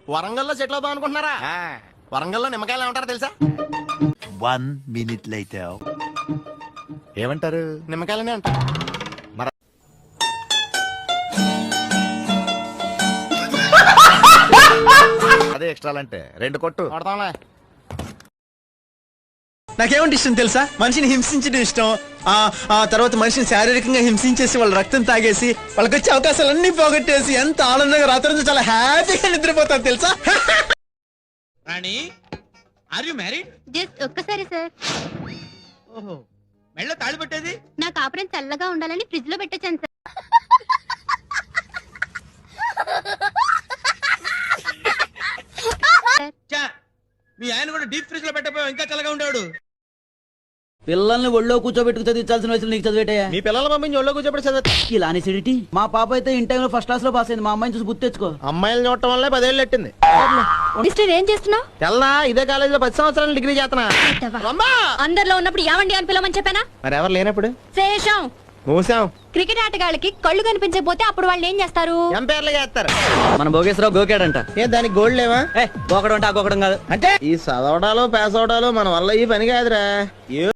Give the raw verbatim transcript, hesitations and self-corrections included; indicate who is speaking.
Speaker 1: వరంగల్లో సెటిల్ అవుదాం అనుకుంటున్నారా? వరంగల్లో నిమ్మకాయలు ఏమంటారు తెలుసా?
Speaker 2: వన్ మినిట్ లైటర్ ఏమంటారు?
Speaker 1: నిమ్మకాయలనే అంటారు.
Speaker 2: అదే ఎక్స్ట్రా అంటే రెండు కొట్టు
Speaker 1: కొడతాంలే.
Speaker 3: నాకేమంటే ఇష్టం తెలుసా? మనిషిని హింసించడం ఇష్టం. ఆ ఆ తర్వాత మనిషిని శారీరకంగా హింసించేసి వాళ్ళ రక్తం తాగేసి వాళ్ళకి వచ్చే అవకాశాలన్నీ పోగొట్టేసి ఎంత ఆనందంగా రాత్రి చాలా హ్యాపీగా నిద్రపోతాను తెలుసా?
Speaker 4: Rani, are you married?
Speaker 5: Just ఒక్కసారి సార్.
Speaker 4: ఓహో, మెళ్ళ తాళి పట్టేది?
Speaker 5: నా కాపురం చల్లగా ఉండాలని ఫ్రిడ్జ్ లో పెట్టొచ్చాను సార్.
Speaker 4: చా, మీ ఆయన కూడా డీప్ ఫ్రిడ్జ్ లో పెట్టకపోయావు, ఇంకా చల్లగా ఉండేవాడు.
Speaker 6: పిల్లల్ని ఒళ్ళో కూర్చోబెట్టుకు చదివించాల్సిన వయసులో నీకు చదివేటయా?
Speaker 1: మీ పిల్లల పంపించి ఒళ్ళో కూర్చోబెట్టి చదివిస్తా.
Speaker 6: ఇలా అనేసిడిటీ. మా పాప అయితే ఇన్ టైంలో ఫస్ట్ క్లాస్ లో పాస్ అయింది. మా అమ్మాయిని చూసి గుర్తు తెచ్చుకో.
Speaker 1: అమ్మాయిలు చూడటం వల్లే పదేళ్ళు ఎట్టింది.
Speaker 5: మిస్టర్ ఏం చేస్తున్నావు?
Speaker 1: తెల్లా ఇదే కాలేజీలో పది సంవత్సరాలు డిగ్రీ చేస్తున్నా.
Speaker 5: అందరిలో ఉన్నప్పుడు ఏమండి అని పిలవమని చెప్పానా?
Speaker 1: మరి ఎవరు లేనప్పుడు
Speaker 5: శేషం.
Speaker 1: మూసాం.
Speaker 5: క్రికెట్ ఆటగాళ్ళకి కళ్ళు కనిపించకపోతే అప్పుడు వాళ్ళు ఏం చేస్తారు?
Speaker 1: ఎంపైర్లు చేస్తారు.
Speaker 6: మన భోగేశ్వరరావు గోకాడంట.
Speaker 1: ఏ దానికి గోల్డ్ లేవా?
Speaker 6: ఏ గోకడం అంటే ఆ గోకడం కాదు.
Speaker 1: అంటే ఈ చదవడాలు పాస్ అవడాలు మన వల్ల ఈ పని కాదురా.